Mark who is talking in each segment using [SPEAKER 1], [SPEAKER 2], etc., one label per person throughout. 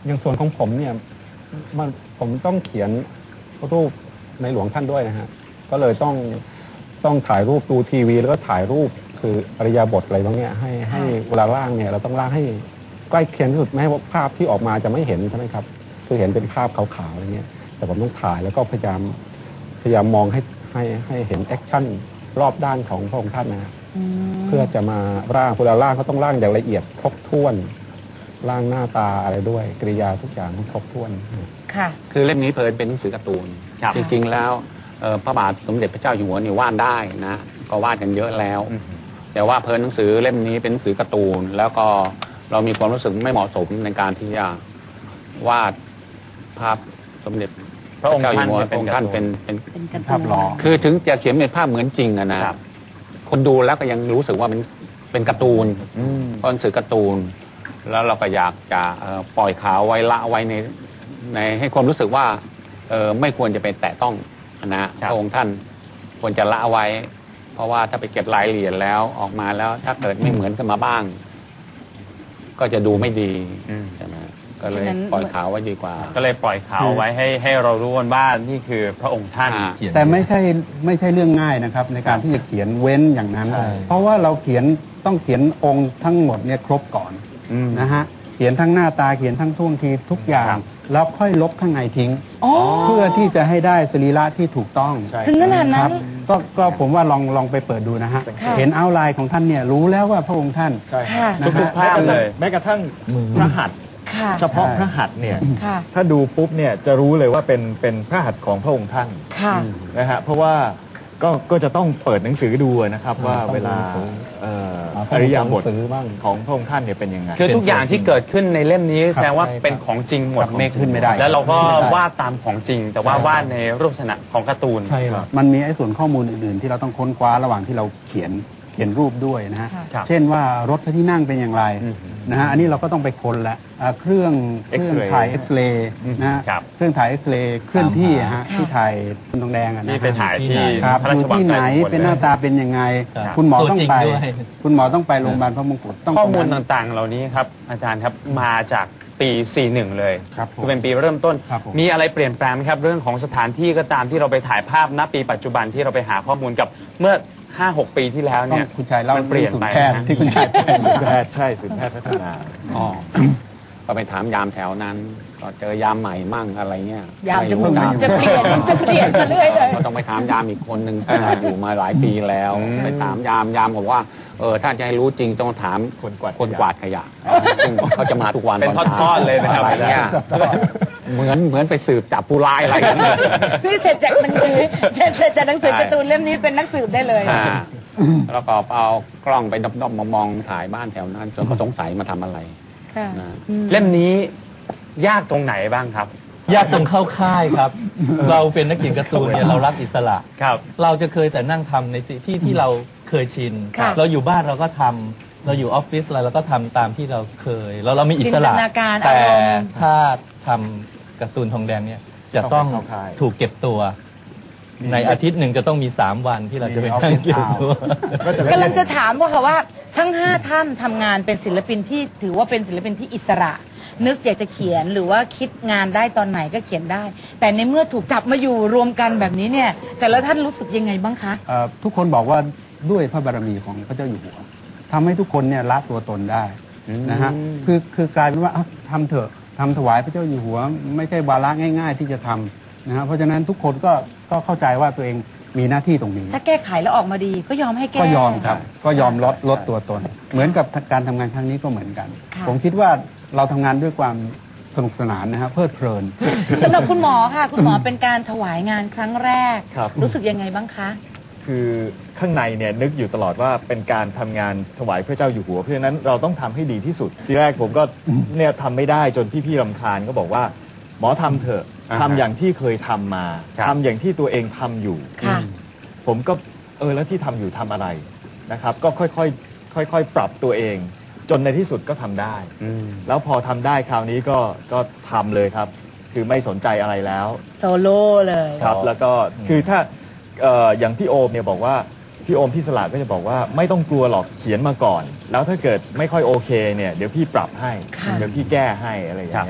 [SPEAKER 1] อย่างส่วนของผมเนี่ยผมต้องเขียนรูปในหลวงท่านด้วยนะฮะก็เลยต้องถ่ายรูปดูทีวีแล้วก็ถ่ายรูปคืออริยบทอะไรบางเนี่ยให้เวลาล่างเนี่ยเราต้องล่างให้ใกล้เคียงที่สุดแม้ว่าภาพที่ออกมาจะไม่เห็นใช่ไหมครับคือเห็นเป็นภาพขาวๆอะไรเงี้ยแต่ผมต้องถ่ายแล้วก็พยายามมองให้เห็นแอคชั่นรอบด้านของพระองค์ท่านนะครับเพื่อจะมาร่างเวลาร่างเขาต้องร่างอย่างละเอียดครบถ้วนร่างหน้าตาอะไรด้วยกริยาทุกอย่างครบถ้วน
[SPEAKER 2] ค่ะ
[SPEAKER 3] คือเล่มนี้เป็นหนังสือการ์ตูนจริงๆแล้วพระบาทสมเด็จพระเจ้าอยู่หัวนี่วาดได้นะก็วาดกันเยอะแล้วแต่ว่าหนังสือเล่มนี้เป็นหนังสือการ์ตูนแล้วก็เรามีความรู้สึกไม่เหมาะสมในการที่จะวาดภาพสมเด็จพระองค์ท่านเป็น
[SPEAKER 1] ภาพหล่อ
[SPEAKER 3] คือถึงจะเขียนเป็นภาพเหมือนจริงนะคนดูแล้วก็ยังรู้สึกว่าเป็นการ์ตูนเพราะหนังสือการ์ตูนแล้วเราก็อยากจะปล่อยข่าวไว้ละไว้ในให้ความรู้สึกว่าไม่ควรจะไปแตะต้องนะพระองค์ท่านควรจะละไว้เพราะว่าถ้าไปเก็บรายละเอียดแล้วออกมาแล้วถ้าเกิดไม่เหมือนกันมาบ้างก็จะดูไม่ดีใช่ไหมก็เลยปล่อยข่าวไว้ดีกว่า
[SPEAKER 4] ก็เลยปล่อยข่าวไว้ให้เรารู้กันว่านี่คือพระองค์ท่าน
[SPEAKER 1] แต่ไม่ใช่เรื่องง่ายนะครับในการที่จะเขียนเว้นอย่างนั้นเพราะว่าเราต้องเขียนองค์ทั้งหมดเนี่ยครบก่อนนะฮะเขียนทั้งหน้าตาเขียนทั้งท่วงทีทุกอย่างแล้วค่อยลบข้างในทิ้งเพื่อที่จะให้ได้สรีระที่ถูกต้อง
[SPEAKER 2] ถึงขนาดนั้น
[SPEAKER 1] ก็ผมว่าลองไปเปิดดูนะฮะเห็นเอาท์ไลน์ของท่านเนี่ยรู้แล้วว่าพระองค์ท่าน
[SPEAKER 4] ทุกภาพเลย
[SPEAKER 5] แม้กระทั่งพระหัตถ์เฉพาะพระหัตถ์เนี่ยถ้าดูปุ๊บเนี่ยจะรู้เลยว่าเป็นพระหัตถ์ของพระองค์ท่านนะฮะเพราะว่าก็จะต้องเปิดหนังสือดูนะครับว่าเวลาอริยบทของพระองค์ท่านเนี่ยเป็นยังไง
[SPEAKER 4] คือทุกอย่างที่เกิดขึ้นในเล่มนี้แสดงว่าเป็นของจริงหมด
[SPEAKER 1] ไม่ขึ้นไม่ได้
[SPEAKER 4] แล้วเราก็วาดตามของจริงแต่ว่าวาดในรูปลักษณะของการ์ตูน
[SPEAKER 1] ใช่ครับมันมีไอ้ส่วนข้อมูลอื่นๆที่เราต้องค้นคว้าระหว่างที่เราเขียนรูปด้วยนะฮะเช่นว่ารถพระที่นั่งเป็นอย่างไรนะฮะอันนี้เราก็ต้องไปค้นละเครื่องถ่ายเอ็กซเรย์นะฮะเครื่องถ่ายเอ็กซเรย์เคลื่อนที่ฮะที่ถ่ายทองแดง
[SPEAKER 4] นี่ไปถ่ายที่
[SPEAKER 1] อยู่ที่ไหนเป็นหน้าตาเป็นยังไงคุณหมอต้องไปโรงพยาบาลพระมงกุฎ
[SPEAKER 4] ข้อมูลต่างๆเหล่านี้ครับอาจารย์ครับมาจากปี41เลยคือเป็นปีเริ่มต้นมีอะไรเปลี่ยนแปลงไหมครับเรื่องของสถานที่ก็ตามที่เราไปถ่ายภาพณปีปัจจุบันที่เราไปหาข้อมูลกับเมื่อ5-6 ปีที่แล้วเนี่ย
[SPEAKER 1] คุณชายเล่า
[SPEAKER 4] เปลี่ยนไป
[SPEAKER 1] ที่คุณชาย
[SPEAKER 5] ศูนย์แพทย์ใช่ศูนย์แพทย์พัฒนา
[SPEAKER 3] ก็ไปถามยามแถวนั้นก็เจอยามใหม่มั่งอะไรเงี้ย
[SPEAKER 2] ยามจะเปลี่ยนกันเรื่อยเลย
[SPEAKER 3] ก็ต้องไปถามยามอีกคนหนึ่งที่อยู่มาหลายปีแล้วไปถามยามบอกว่าถ้าจะให้รู้จริงต้องถามคนกวาดขยะซึ่งเขาจะมาทุกวัน
[SPEAKER 4] เป็นทอดๆเลยนะครับ
[SPEAKER 3] อะไรเงี้ยเหมือนไปสืบจับผู้ร้ายอะไรอย่างเงี้ย
[SPEAKER 2] พี่เสร็จจากหนังสือเสร็จจากหนังสือการ์ตูนเล่มนี้เป็นนักสืบได้เลย
[SPEAKER 3] แล้วก็เอากล้องไปด้อมๆมองถ่ายบ้านแถวนั้นจนเขาสงสัยมาทำอะไร
[SPEAKER 4] เล่มนี้ยากตรงไหนบ้างครับ
[SPEAKER 6] ยากตรงเข้าค่ายครับเราเป็นนักเขียนการ์ตูนเนี่ยเรารักอิสระเราจะเคยแต่นั่งทำในที่เราเคยชินเราอยู่บ้านเราก็ทำเราอยู่ออฟฟิศอะไรเราก็ทำตามที่เราเคยเรามีอิสระแต่ถ้าทำการ์ตูนทองแดงเนี่ยจะต้องถูกเก็บตัวในอาทิตย์หนึ่งจะต้องมี3 วันที่เราจะไปนั่งเก็บตัว
[SPEAKER 2] กำลังจะถามว่าทั้ง5 ท่านทำงานเป็นศิลปินที่ถือว่าเป็นศิลปินที่อิสระนึกอยากจะเขียนหรือว่าคิดงานได้ตอนไหนก็เขียนได้แต่ในเมื่อถูกจับมาอยู่รวมกันแบบนี้เนี่ยแต่ละท่านรู้สึกยังไงบ้างคะ
[SPEAKER 1] ทุกคนบอกว่าด้วยพระบารมีของพระเจ้าอยู่หัวทำให้ทุกคนเนี่ยละตัวตนได้นะฮะคือกลายเป็นว่าทำเถอะทำถวายพระเจ้าอยู่หัวไม่ใช่วาระง่ายๆที่จะทำนะฮะเพราะฉะนั้นทุกคนก็เข้าใจว่าตัวเองมีหน้าที่ตรงนี้
[SPEAKER 2] ถ้าแก้ไขแล้วออกมาดีก็ยอมให้แก้
[SPEAKER 1] ก็ยอมครับก็ยอมลดตัวตนเหมือนกับการทำงานครั้งนี้ก็เหมือนกันผมคิดว่าเราทำงานด้วยความสนุกสนานนะครับเพลิดเพลิน
[SPEAKER 2] สำหรับคุณหมอค่ะคุณหมอเป็นการถวายงานครั้งแรกรู้สึกยังไงบ้างคะ
[SPEAKER 5] คือข้างในเนี่ยนึกอยู่ตลอดว่าเป็นการทำงานถวายพระเจ้าอยู่หัวเพราะฉะนั้นเราต้องทำให้ดีที่สุดทีแรกผมก็เนี่ยทำไม่ได้จนพี่ๆรำคาญก็บอกว่าหมอทำเถอะทำอย่างที่เคยทำมาทำอย่างที่ตัวเองทำอยู่ผมก็แล้วที่ทำอยู่ทำอะไรนะครับก็ค่อยปรับตัวเองจนในที่สุดก็ทำได้แล้วพอทำได้คราวนี้ก็ทำเลยครับคือไม่สนใจอะไรแล้ว
[SPEAKER 2] โซโล่เลย
[SPEAKER 5] ครับแล้วก็คือถ้าอย่างพี่โอมเนี่ยบอกว่าพี่โอมพี่สละก็จะบอกว่าไม่ต้องกลัวหรอกเขียนมาก่อนแล้วถ้าเกิดไม่ค่อยโอเคเนี่ยเดี๋ยวพี่ปรับให้เดี๋ยวพี่แก้ให้อะไรอย่างเงี้ย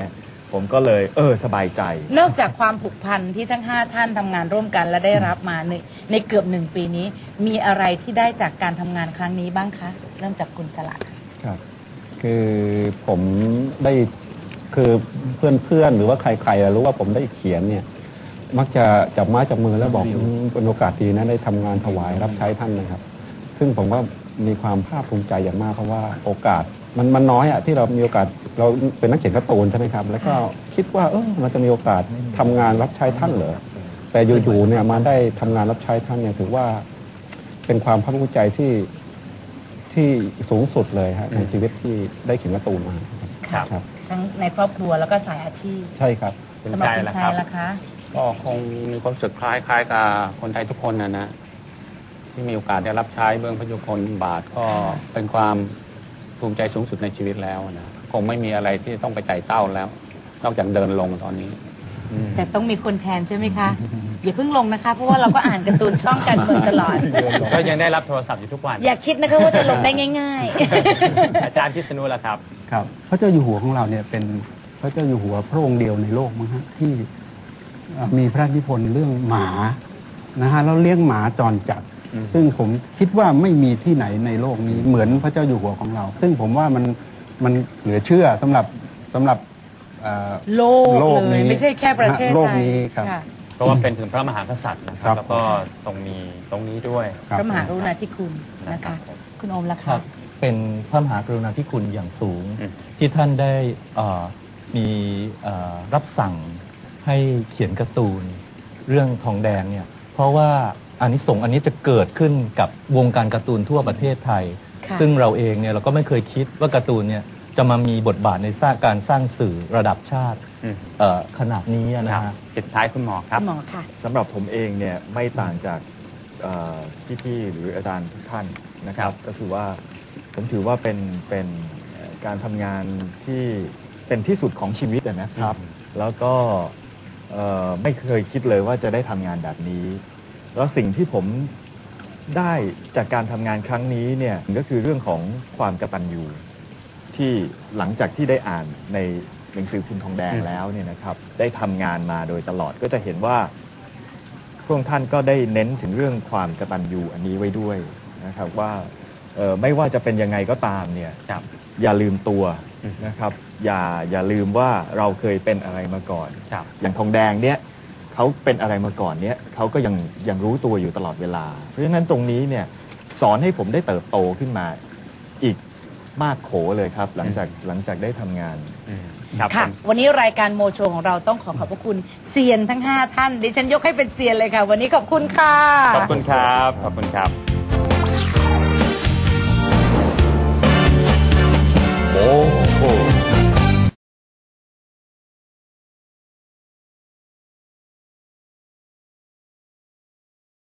[SPEAKER 5] ผมก็เลยสบายใจ
[SPEAKER 2] นอกจากความผูกพันที่ทั้ง5ท่านทำงานร่วมกันและได้รับมาในเกือบ1 ปีนี้ มีอะไรที่ได้จากการทำงานครั้งนี้บ้างคะเริ่มจากคุณสละ
[SPEAKER 1] ครับ คือผมได้คือเพื่อนๆหรือว่าใครๆรู้ว่าผมได้เขียนเนี่ยมักจะจับไม้จับมือแล้วบอกเป็นโอกาสดีนะได้ทำงานถวายรับใช้ท่านนะครับ ซึ่งผมก็มีความภาคภูมิใจอย่างมากเพราะว่าโอกาสมันน้อยอะที่เรามีโอกาสเราเป็นนักเขียนการ์ตูนใช่ไหมครับแล้วก็คิดว่ามันจะมีโอกาสทำงานรับใช้ท่านเหรอแต่อยู่ๆเนี่ยมาได้ทำงานรับใช้ท่านเนี่ยถือว่าเป็นความภาคภูมิใจที่สูงสุดเลยฮะในชีวิตที่ได้เขียนการ์ตูนมาครับ
[SPEAKER 2] ทั้งในครอบครัวแล้วก็สายอาชีพ
[SPEAKER 1] ใช่ครับ
[SPEAKER 2] สำหรับคุณชัยล่ะคะ
[SPEAKER 3] ก็คงมีความรู้สึกคล้ายๆกับคนไทยทุกคนนะที่มีโอกาสได้รับใช้เบื้องพระยุคลบาทก็เป็นความภูมิใจสูงสุดในชีวิตแล้วนะคงไม่มีอะไรที่ต้องไปไต่เต้าแล้ว นอกจากเดินลงตอนนี้
[SPEAKER 2] แต่ต้องมีคนแทนใช่ไหมคะ อย่าเพิ่งลงนะคะ เพราะว่าเราก็อ่านการ์ตูนช่องการเมืองตลอด
[SPEAKER 4] ก็ยังได้รับโทรศัพท์อยู่ทุกวัน
[SPEAKER 2] อย่าคิดนะคะว่าจะลงได้ง่าย
[SPEAKER 4] อาจารย์พิษณุล่ะครับ
[SPEAKER 7] ครับพระเจ้าอยู่หัวของเราเนี่ยเป็นพระเจ้าอยู่หัวพระองค์เดียวในโลกมั้งฮะที่มีพระราชนิพนธ์เรื่องหมานะฮะแล้วเลี้ยงหมาจรจัดซึ่งผมคิดว่าไม่มีที่ไหนในโลกนี้เหมือนพระเจ้าอยู่หัวของเรา ซึ่งผมว่ามันเหลือเชื่อสำหรับ
[SPEAKER 2] ๆ โลกเลยไม่ใช่แค่ประเทศ
[SPEAKER 7] โล
[SPEAKER 2] ไท
[SPEAKER 7] ก
[SPEAKER 2] ย
[SPEAKER 7] นี้ครับ
[SPEAKER 2] ค่ะ
[SPEAKER 4] เพราะว่าเป็นถึงพระมหากษัตริย์นะค
[SPEAKER 7] ครั
[SPEAKER 4] รับบ แล้วก็ตรงนี้ด้วย
[SPEAKER 2] พระมหากรุณาธิคุณนะคะ คุณโอมล่ะ
[SPEAKER 6] ครั
[SPEAKER 2] คะ
[SPEAKER 6] บเป็นพระมหากรุณาธิคุณอย่างสูง
[SPEAKER 4] อืม
[SPEAKER 6] ที่ท่านได้มีรับสั่งให้เขียนการ์ตูนเรื่องทองแดงเนี่ยเพราะว่าอานิสงส์อันนี้จะเกิดขึ้นกับวงการการ์ตูนทั่วประเทศไทย
[SPEAKER 2] ค่ะ
[SPEAKER 6] ซึ่งเราเองเนี่ยเราก็ไม่เคยคิดว่าการ์ตูนเนี่ยจะมามีบทบาทในการสร้างสื่อระดับชาติ
[SPEAKER 4] อืม
[SPEAKER 6] ขนาดนี้อะ
[SPEAKER 4] ค
[SPEAKER 6] นะ
[SPEAKER 4] รับ
[SPEAKER 6] ฮะ
[SPEAKER 4] ปิดท้ายคุณหมอครับ
[SPEAKER 2] คุณหมอค่ะ
[SPEAKER 5] สำหรับผมเองเนี่ยไม่ต่างจากพี่ๆหรืออาจารย์ทุกท่านนะครับ ก็คือว่าผมถือว่าเป็นการทำงานที่เป็นที่สุดของชีวิตนะครับ แล้วก็ไม่เคยคิดเลยว่าจะได้ทำงานแบบนี้ แล้วสิ่งที่ผมได้จากการทำงานครั้งนี้เนี่ยก็คือเรื่องของความกตัญญูที่หลังจากที่ได้อ่านในหนังสือพิมพ์ทองแดงแล้วเนี่ยนะครับได้ทำงานมาโดยตลอดก็จะเห็นว่าพระองค์ท่านก็ได้เน้นถึงเรื่องความกตัญญูอันนี้ไว้ด้วยนะครับว่าไม่ว่าจะเป็นยังไงก็ตามเนี่ยอย่าลืมตัวนะครับอย่าลืมว่าเราเคยเป็นอะไรมาก่อน
[SPEAKER 4] ครับ
[SPEAKER 5] อย่างทองแดงเนี่ยเขาเป็นอะไรมาก่อนเนี่ยเขาก็ยังรู้ตัวอยู่ตลอดเวลา เพราะฉะนั้นตรงนี้เนี่ยสอนให้ผมได้เติบโตขึ้นมาอีกมากโขเลยครับ หลังจากได้ทำงาน
[SPEAKER 4] ครับ
[SPEAKER 2] ค่ะ
[SPEAKER 4] ผม
[SPEAKER 2] วันนี้รายการโมโชของเราต้องขอบพระคุณเซียนทั้ง5ท่านดิฉันยกให้เป็นเซียนเลยค่ะ วันนี้ขอบคุณค่ะ
[SPEAKER 4] ขอบคุณครับ ขอบคุณครับ